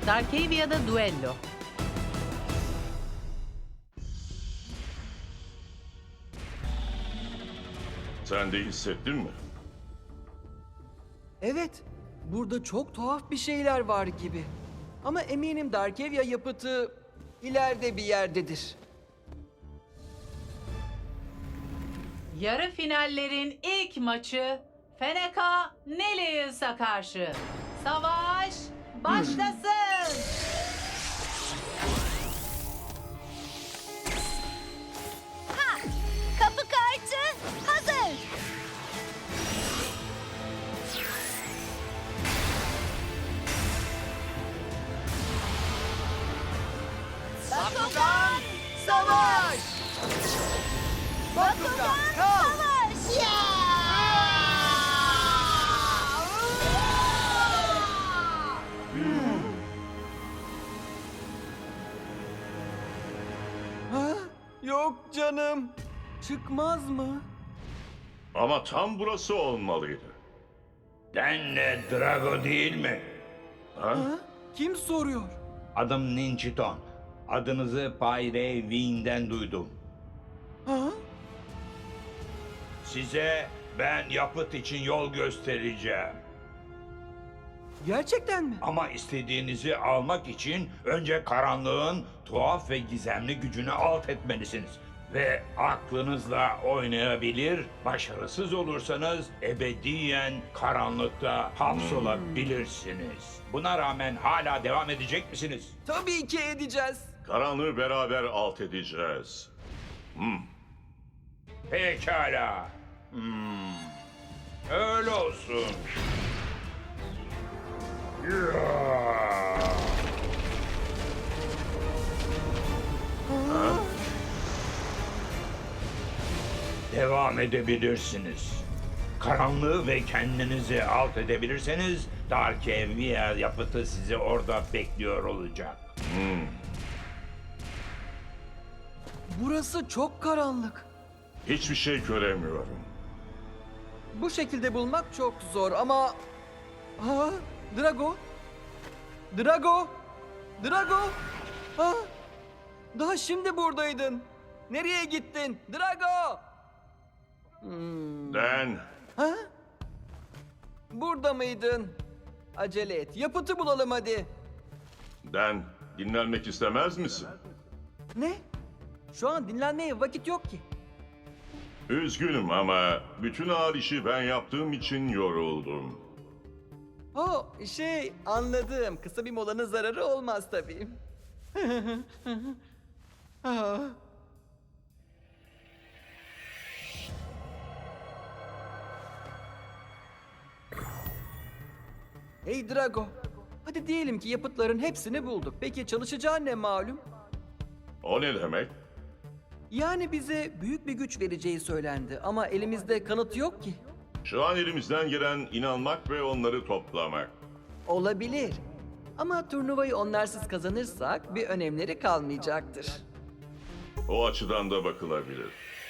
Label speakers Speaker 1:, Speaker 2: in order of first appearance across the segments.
Speaker 1: Darkavia'da Duello.
Speaker 2: Sen de hissettin mi?
Speaker 3: Evet, burada çok tuhaf bir şeyler var gibi. Ama eminim Darkevia yapıtı ileride bir yerdedir.
Speaker 1: Yarı finallerin ilk maçı Feneka Nelius'a karşı. Savaş başlasın.
Speaker 4: Kapı kartı hazır. Bakugan savaş. Bakugan savaş.
Speaker 3: Ha? Yok canım. Çıkmaz mı?
Speaker 2: Ama tam burası olmalıydı.
Speaker 5: Denle Drago değil mi?
Speaker 2: Ha?
Speaker 3: Ha? Kim soruyor?
Speaker 5: Adım Ninchiton. Adınızı Pyre Wing'den duydum.
Speaker 3: Ha?
Speaker 5: Size ben yapıt için yol göstereceğim.
Speaker 3: Gerçekten mi?
Speaker 5: Ama istediğinizi almak için önce karanlığın tuhaf ve gizemli gücünü alt etmelisiniz. Ve aklınızla oynayabilir, başarısız olursanız ebediyen karanlıkta hapsolabilirsiniz. Buna rağmen hala devam edecek misiniz?
Speaker 3: Tabii ki edeceğiz.
Speaker 2: Karanlığı beraber alt edeceğiz.
Speaker 5: Pekala. Öyle olsun. Ya. Devam edebilirsiniz. Karanlığı ve kendinizi alt edebilirseniz Darkevia yapıtı sizi orada bekliyor olacak.
Speaker 3: Burası çok karanlık.
Speaker 2: Hiçbir şey göremiyorum.
Speaker 3: Bu şekilde bulmak çok zor ama... Ha? Drago? Drago? Drago? Ha? Daha şimdi buradaydın. Nereye gittin? Drago!
Speaker 2: Den,
Speaker 3: Ha? Burada mıydın? Acele et. Yapıtı bulalım hadi.
Speaker 2: Den, dinlenmek istemez misin?
Speaker 3: Ne? Şu an dinlenmeye vakit yok ki.
Speaker 2: Üzgünüm ama bütün ağır işi ben yaptığım için yoruldum.
Speaker 3: Anladım. Kısa bir molanın zararı olmaz tabii. Ah. Hey Drago. Hadi diyelim ki yapıtların hepsini bulduk. Peki çalışacağı ne malum?
Speaker 2: O ne demek?
Speaker 3: Yani bize büyük bir güç vereceği söylendi ama elimizde kanıt yok ki.
Speaker 2: Şu an elimizden gelen inanmak ve onları toplamak.
Speaker 3: Olabilir. Ama turnuvayı onlarsız kazanırsak bir önemleri kalmayacaktır.
Speaker 2: O açıdan da bakılabilir.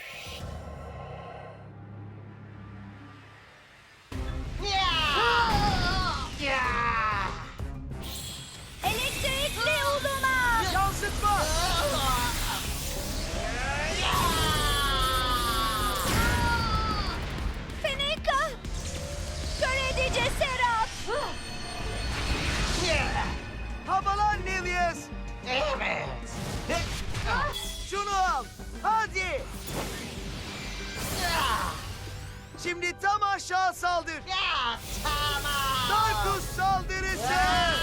Speaker 4: Elektrikli uluma.
Speaker 3: Yansıtma!
Speaker 4: Feneka. Kör edici serap.
Speaker 3: Havalan Nelius! Evet. Şunu al. Hadi. Şimdi tam aşağı saldır. Tamam. Darkus saldırısı.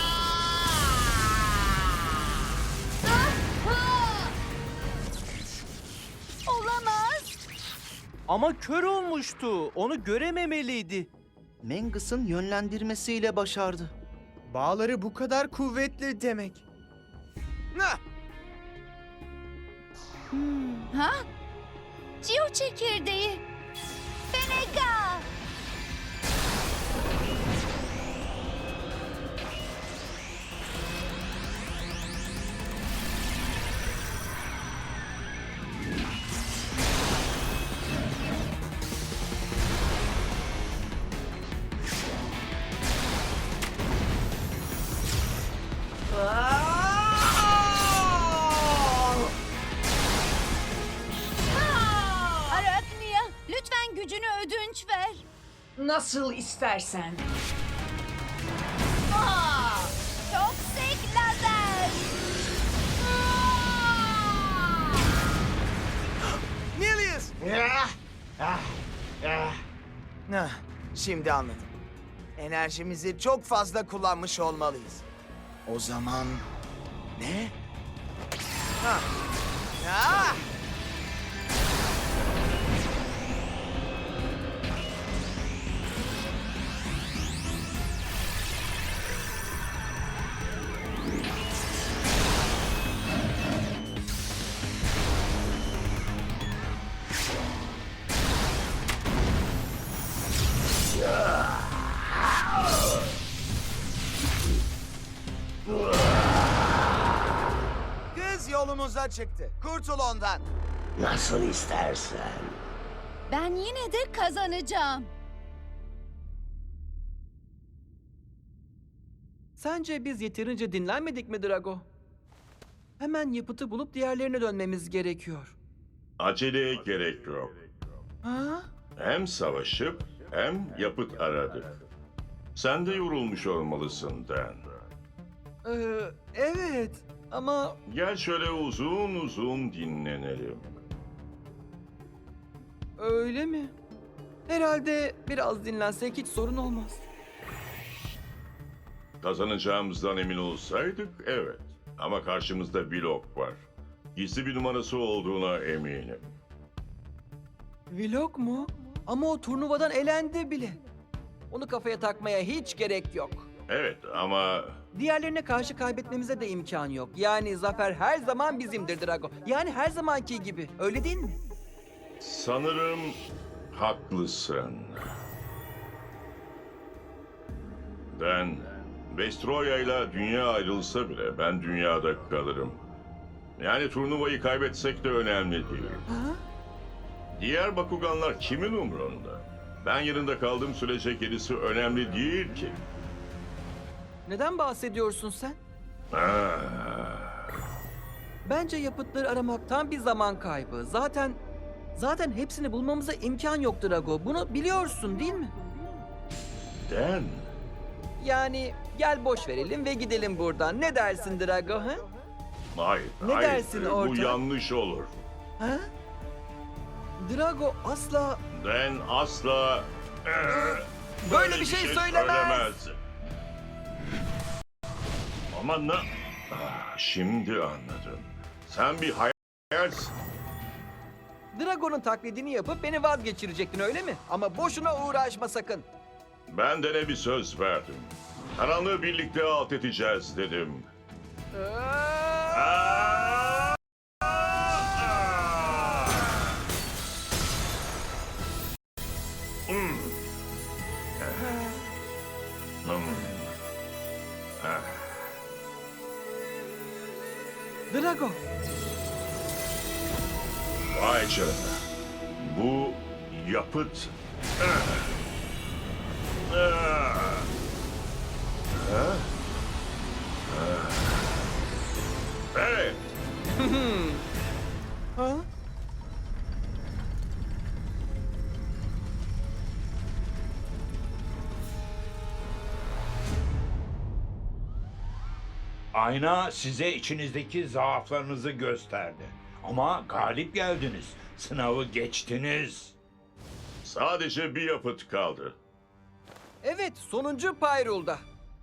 Speaker 4: Olamaz.
Speaker 6: Ama kör olmuştu. Onu görememeliydi.
Speaker 7: Mangus'ın yönlendirmesiyle başardı.
Speaker 8: Bağları bu kadar kuvvetli demek.
Speaker 4: Ha? Cio çekirdeği. Feneka.
Speaker 9: Nasıl istersen.
Speaker 4: Toksik lazer.
Speaker 8: Nilius! Şimdi anladım. Enerjimizi çok fazla kullanmış olmalıyız. O zaman... Ne? Ha. Ah! Kız yolumuza çıktı. Kurtul ondan.
Speaker 10: Nasıl istersen.
Speaker 4: Ben yine de kazanacağım.
Speaker 3: Sence biz yeterince dinlenmedik mi Drago? Hemen yapıtı bulup diğerlerine dönmemiz gerekiyor.
Speaker 2: Aceleye gerek yok.
Speaker 3: Ha?
Speaker 2: Hem savaşıp hem yapıt aradık. Sen de yorulmuş olmalısın Dan.
Speaker 3: Evet ama
Speaker 2: Gel şöyle uzun uzun dinlenelim.
Speaker 3: öyle mi? Herhalde biraz dinlensek hiç sorun olmaz.
Speaker 2: Kazanacağımızdan emin olsaydık evet. Ama karşımızda Blok var. Gizli bir numarası olduğuna eminim.
Speaker 3: Vlog mu? Ama o turnuvadan elendi bile. Onu kafaya takmaya hiç gerek yok.
Speaker 2: Evet ama
Speaker 3: Diğerlerine karşı kaybetmemize de imkan yok. Yani zafer her zaman bizimdir Drago. Yani her zamanki gibi. Öyle değil mi?
Speaker 2: sanırım haklısın. Dan, Vestroya ile dünya ayrılsa bile ben dünyada kalırım. Yani turnuvayı kaybetsek de önemli değil.
Speaker 3: Ha?
Speaker 2: Diğer Bakuganlar kimin umrunda? Ben yanında kaldığım sürece gerisi önemli değil ki.
Speaker 3: Neden bahsediyorsun sen?
Speaker 2: Ah,
Speaker 3: Bence yapıtları aramak tam bir zaman kaybı. Zaten hepsini bulmamıza imkan yok Drago. Bunu biliyorsun değil mi?
Speaker 2: Dan,
Speaker 3: Yani gel boş verelim ve gidelim buradan. Ne dersin Drago ha?
Speaker 2: hayır,
Speaker 3: Ne
Speaker 2: hayır.
Speaker 3: dersin
Speaker 2: Bu
Speaker 3: ortak?
Speaker 2: yanlış olur.
Speaker 3: Ha? Drago asla
Speaker 2: Dan asla
Speaker 3: böyle bir şey söylemez.
Speaker 2: Ama ne? Şimdi anladım. Sen bir hayalsin.
Speaker 3: Drago'nun taklidini yapıp beni vazgeçirecektin öyle mi? Ama boşuna uğraşma sakın.
Speaker 2: Ben de ne bir söz verdim. Karanlığı birlikte alt edeceğiz dedim.
Speaker 3: Drago,
Speaker 2: Vay canına. Bu yapıt. Evet.
Speaker 3: ha?
Speaker 5: Ayna size içinizdeki zaaflarınızı gösterdi. Ama galip geldiniz. Sınavı geçtiniz.
Speaker 2: Sadece bir yapıt kaldı.
Speaker 3: Evet, sonuncu Pyrul'da.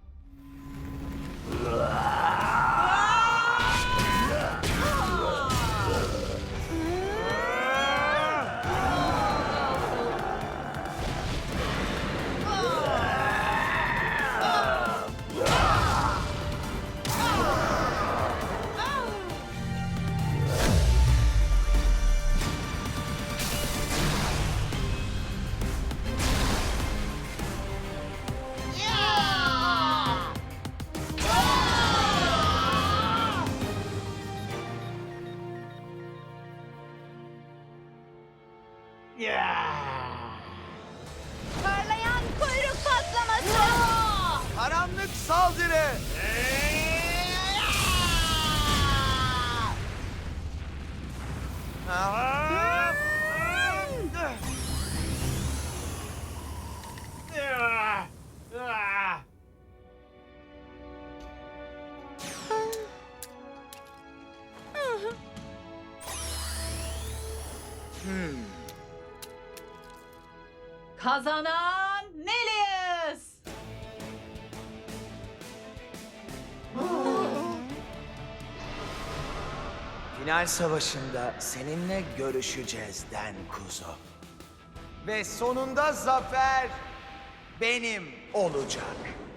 Speaker 4: Parlayan kuyruk patlaması.
Speaker 8: Karanlık saldırı!
Speaker 1: Kazanan Nelius.
Speaker 8: Final savaşında seninle görüşeceğiz Den Kuzo. Ve sonunda zafer benim olacak.